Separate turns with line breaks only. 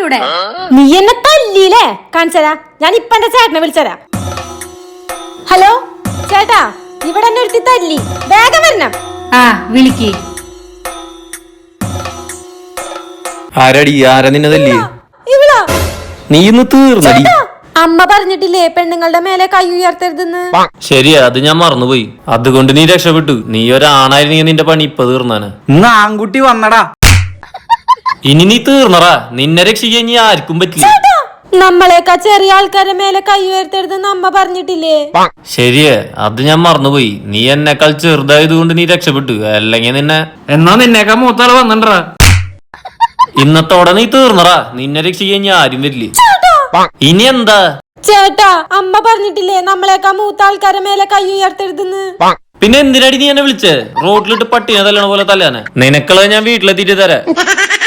ഇവിടെ.
നീ എന്നെ തല്ലിയില്ലേ? കാണിച്ചരാ, ഞാൻ ഇപ്പൊ എന്റെ ചേട്ടനെ വിളിച്ചരാ. ഹലോ ചേട്ടാ, ഇവിടെ എന്നെ ഒരുത്തി തല്ലി, വേഗം വരണം.
ആ വിളിക്ക്.
ആരടി? ആരാ നിന്നെ തല്ലി?
ഇവിടാ.
നീ ഇന്ന് തീർന്നടി.
അമ്മ പറഞ്ഞിട്ടില്ലേ പെണ്ണുങ്ങളുടെ മേലെ കൈ ഉയർത്തരുതെന്ന്?
ശരിയാ, അത് ഞാൻ മറന്നുപോയി. അതുകൊണ്ട് നീ രക്ഷപ്പെട്ടു. നീ ഒരാണായിരുന്നെങ്കിൽ നിന്റെ പണി ഇപ്പൊ തീർന്നാണ്.
ഇന്ന് ആൺകുട്ടി വന്നടാ.
ഇനി നീ തീർന്നടാ. നിന്നെ രക്ഷിക്കാൻ ഇനി ആർക്കും പറ്റില്ല.
നമ്മളെക്കാ ചെറിയ ആൾക്കാരുടെ മേലെ കൈ ഉയർത്തരുതെന്ന് അമ്മ പറഞ്ഞിട്ടില്ലേ?
ശരിയാ, അത് ഞാൻ മറന്നുപോയി. നീ എന്നെക്കാൾ ചെറുതായത് കൊണ്ട് നീ രക്ഷപ്പെട്ടു. അല്ലെങ്കിൽ നിന്നെ
എന്നാ നിന്നേക്കാ മൂത്താള് വന്നിട്ടടാ.
ഇന്നത്തോടെ നീ തീർന്നടാ. നിന്നെ രക്ഷിക്കാൻ ഇനി ആരും വരില്ലേ. ഇനി എന്താ?
ചേട്ടാ, അമ്മ പറഞ്ഞിട്ടില്ലേ നമ്മളെക്കാ മൂത്ത ആൾക്കാരുടെ മേലെ കൈ ഉയർത്തരുതെന്ന്?
പിന്നെ എന്തിനടി നീ എന്നെ വിളിച്ചേ? റോഡിലിട്ട് പട്ടിനെ തല്ലണ പോലെ തല്ലാനെ. നിനക്കുള്ളത് ഞാൻ വീട്ടിലെത്തിയിട്ട് തരാം.